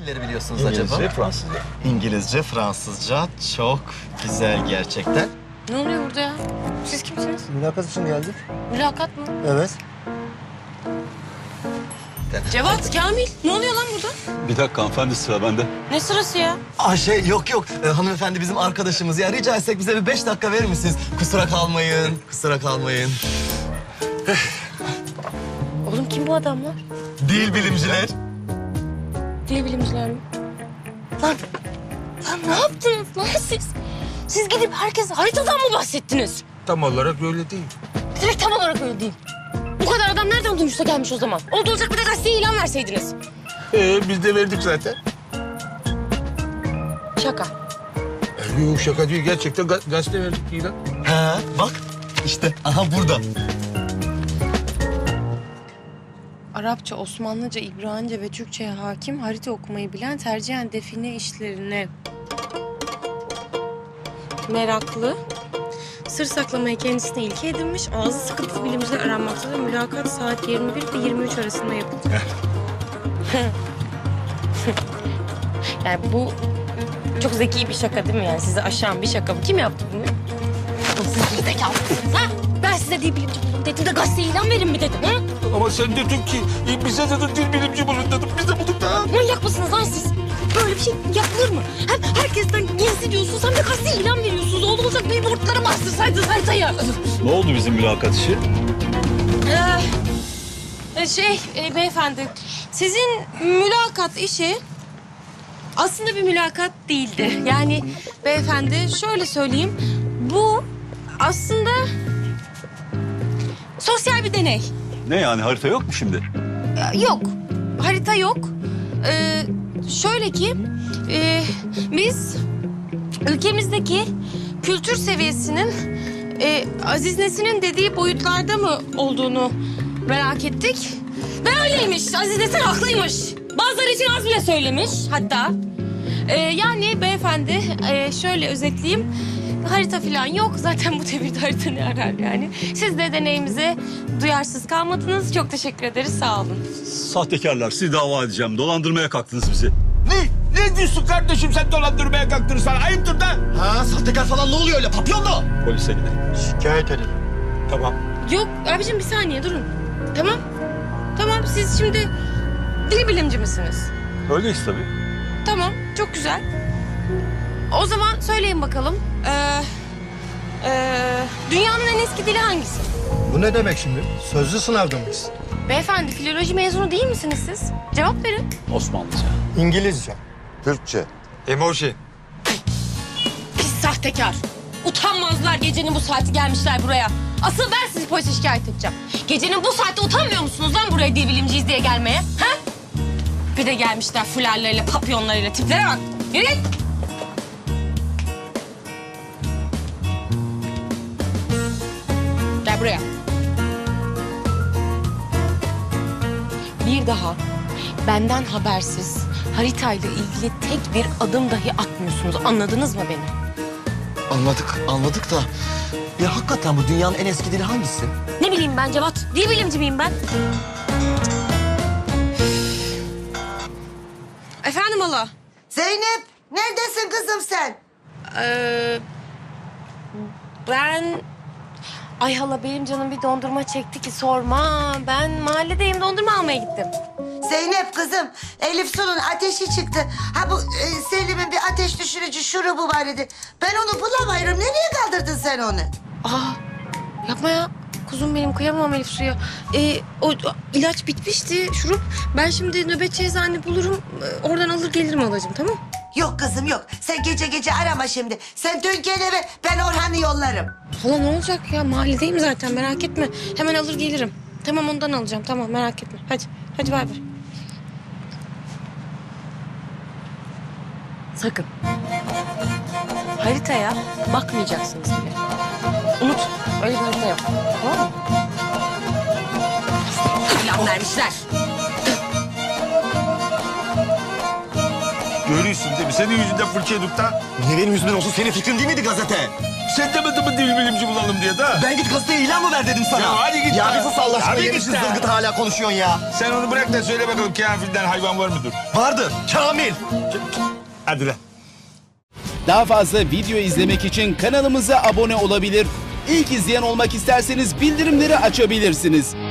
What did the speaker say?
dilleri biliyorsunuz İngilizce, acaba? Fransızca. İngilizce, Fransızca çok güzel gerçekten. Ne oluyor burada ya? Siz kimsiniz? Mülakat için geldik. Mülakat mı? Evet. Cevat, Kamil. Ne oluyor lan burada? Bir dakika hanımefendi, sıra bende. Ne sırası ya? Yok. Hanımefendi bizim arkadaşımız. Ya rica etsek bize bir 5 dakika verir misiniz? Kusura kalmayın. Oğlum kim bu adamlar? Dil bilimciler. Dil bilimciler mi? Lan ne yaptınız lan siz? Siz gidip herkese haritadan mı bahsettiniz? Tam olarak öyle değil. Ne demek tam olarak öyle değil? Bu kadar adam nereden duymuşsa gelmiş o zaman? Olacak bir de gazeteye ilan verseydiniz. Biz de verdik zaten. Şaka. Yok şaka değil. Gerçekten gazete verdik ilan. Ha, bak işte aha burada. Arapça, Osmanlıca, İbranice ve Türkçe'ye hakim, harita okumayı bilen, tercihen define işlerine meraklı, sır saklamayı kendisine ilke edinmiş, ağzı sıkıntılı bilimciler aranmaktadır. Mülakat saat 21 ve 23 arasında yapılacak. Yani bu çok zeki bir şaka değil mi? Yani sizi aşan bir şaka bu. Kim yaptı bunu? Siz zekalısınız ha? Ben size dil bilimci bulun dedim de gazeteye ilan verin mi dedim ha? Ama sen dedin ki bize dedin dil bilimci bulun dedim. Biz de bulduk da. Manyak mısınız lan siz? Böyle bir şey yapılır mı? Hem herkesten gizli diyorsunuz hem de gazeteye ilan veriyorsunuz. Olacak billboardlara bastırsaydınız haritayı. Ne oldu bizim mülakat işi? Beyefendi, sizin mülakat işi aslında bir mülakat değildi. Yani beyefendi şöyle söyleyeyim, bu aslında sosyal bir deney. Ne yani, harita yok mu şimdi? Yok, harita yok. Şöyle ki, biz ülkemizdeki kültür seviyesinin Aziz Nesin'in dediği boyutlarda mı olduğunu merak ettik. Ve öyleymiş, Aziz Nesin haklıymış. Bazıları için az bile söylemiş hatta. Yani beyefendi, şöyle özetleyeyim. Harita falan yok. Zaten bu devirde harita ne arar yani. Siz de deneyimize duyarsız kalmadınız. Çok teşekkür ederiz. Sağ olun. Sahtekarlar, sizi dava edeceğim. Dolandırmaya kalktınız bizi. Ne diyorsun kardeşim, sen dolandırmaya kalktın sana? Ayıptır da. Ha, sahtekar falan ne oluyor öyle papyonlu? Polise gidelim. Şikayet edelim. Tamam. Yok abicim bir saniye durun. Tamam. Tamam siz şimdi dil bilimci misiniz? Öyleyiz tabii. Tamam çok güzel. O zaman söyleyin bakalım. Dünyanın en eski dili hangisi? Bu ne demek şimdi? Sözlü sınavda mıyız? Beyefendi filoloji mezunu değil misiniz siz? Cevap verin. Osmanlıca. İngilizce. Türkçe. Emoji. Pis sahtekar. Utanmazlar gecenin bu saati gelmişler buraya. Asıl ben sizi polise şikayet edeceğim. Gecenin bu saatte utanmıyor musunuz lan buraya dil bilimciyiz diye gelmeye? Ha? Bir de gelmişler fularlarıyla, papyonlarıyla. Tiplere bak. Yürü. Gel buraya. Bir daha benden habersiz haritayla ilgili tek bir adım dahi atmıyorsunuz. Anladınız mı beni? Anladık da. Ya hakikaten bu dünyanın en eski dili hangisi? Ne bileyim ben Cevat. Dil bilimci miyim ben? Efendim hala. Zeynep, neredesin kızım sen? Ben... Ay hala benim canım bir dondurma çekti ki sorma. Ben mahalledeyim dondurma almaya gittim. Zeynep kızım, Elif Su'nun ateşi çıktı. Ha bu Selim'in bir ateş düşürücü şurubu var idi. Ben onu bulamıyorum. Nereye kaldırdın sen onu? Aa yapma ya. Kuzum benim kıyamam Elif Su'ya. O ilaç bitmişti şurup. Ben şimdi nöbetçi eczane bulurum. Oradan alır gelirim halacığım tamam? Yok kızım yok. Sen gece gece arama şimdi. Sen dön gel eve, ben Orhan'ı yollarım. Hala ne olacak ya? Mahalledeyim zaten merak etme. Hemen alır gelirim. Tamam ondan alacağım tamam merak etme. Hadi bay bay. Sakın. Haritaya bakmayacaksınız bile. Unut. Öyle bir harita yok. Tamam mı? İlan vermişler. Görüyorsun değil mi? Senin yüzünden fırça yedik da. Niye benim yüzümden olsun? Senin fikrin değil miydi gazete? Sen demedin mi dil bilimci bulalım diye da? Ben git gazeteye ilan mı ver dedim sana? Ya hadi git Ya ya. bir sus Allah aşkına. Hadi Yemişsin git ya. zılgıt hala konuşuyorsun ya. Sen onu bırak da söyle bakalım karanfilden hayvan var mıdır? Vardır. Kamil. Hadi lan. Daha fazla video izlemek için kanalımıza abone olabilir. İlk izleyen olmak isterseniz bildirimleri açabilirsiniz.